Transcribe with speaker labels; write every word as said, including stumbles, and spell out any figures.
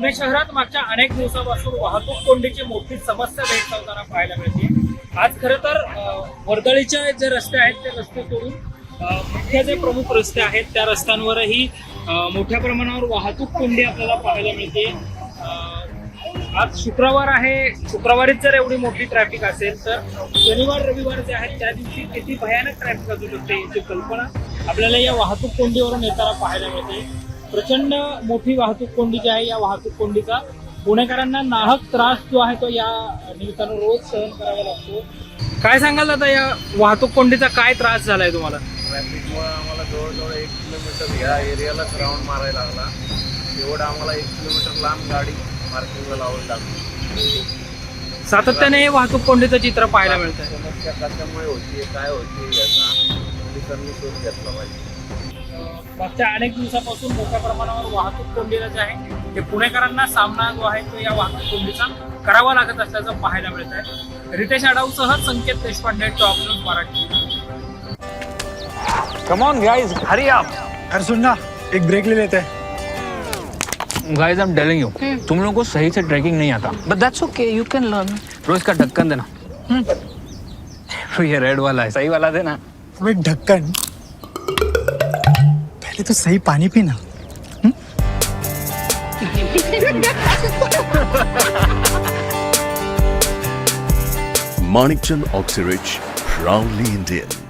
Speaker 1: पुणे शहरात मागच्या अनेक दिवसापासून वाहतूक कोंडीची मोठी समस्या भेडसावताना पाहायला मिळते। आज खरं तर वर्दळीचे जे रस्ते आहेत ते रस्ते सोडून मुख्य जे प्रमुख रस्ते आहेत त्या रस्त्यांवरही मोठ्या प्रमाणावर वाहतूक कोंडी आपल्याला पाहायला मिळते। आज शुक्रवार आहे, शुक्रवारीच जर एवढी मोठी ट्रॅफिक असेल तर शनिवार रविवार जे आहेत त्या दिवशी किती भयानक ट्रॅफिक असू शकते याची कल्पना आपल्याला या वाहतूक कोंडीवरून येताना पाहायला मिळते। प्रचंड मोठी वाहतूक कोंडी जी आहे या वाहतूक कोंडीचा पुणेकरांना नाहक त्रास जो आहे तो या निमित्तानं रोज सहन करावा लागतो। काय सांगाल आता या वाहतूक कोंडीचा काय त्रास झालाय तुम्हाला?
Speaker 2: ट्रॅफिकमुळे आम्हाला जवळजवळ एक किलोमीटर या एरियालाच राऊंड मारायला लागला। एवढं आम्हाला एक किलोमीटर लांब गाडी पार्किंगला लावावी लागली।
Speaker 1: सातत्याने वाहतूक कोंडीचं चित्र पाहायला मिळतं।
Speaker 2: समस्या कशामुळे होती, काय होती याचा पोलिसांनी शोध घेतला पाहिजे।
Speaker 1: मागच्या अनेक दिवसापासून मोठ्या प्रमाणावर वाहतूक कोंडीला जे आहे ते पुणेकरांना सामना जो आहे तो या वाहतूक कोंडीचा करावा लागत असल्याचं पाहायला मिळत आहे। रितेश आडाऊसह Sanket Deshpande, top news Marathi.
Speaker 3: Come on guys, hurry up.
Speaker 4: अरे सुन ना, एक ब्रेक ले लेते हैं।
Speaker 3: Guys I am telling you, तुम लोगों को सही से ट्रैकिंग नहीं आता, but that's okay, you can learn. रोज का ढक्कन देना। ये रेड वाला है, सही वाला देना।
Speaker 4: अब एक ढक्कन, पहले तो सही पानी पीना।
Speaker 5: Manikchand Oxyrich, proudly Indian.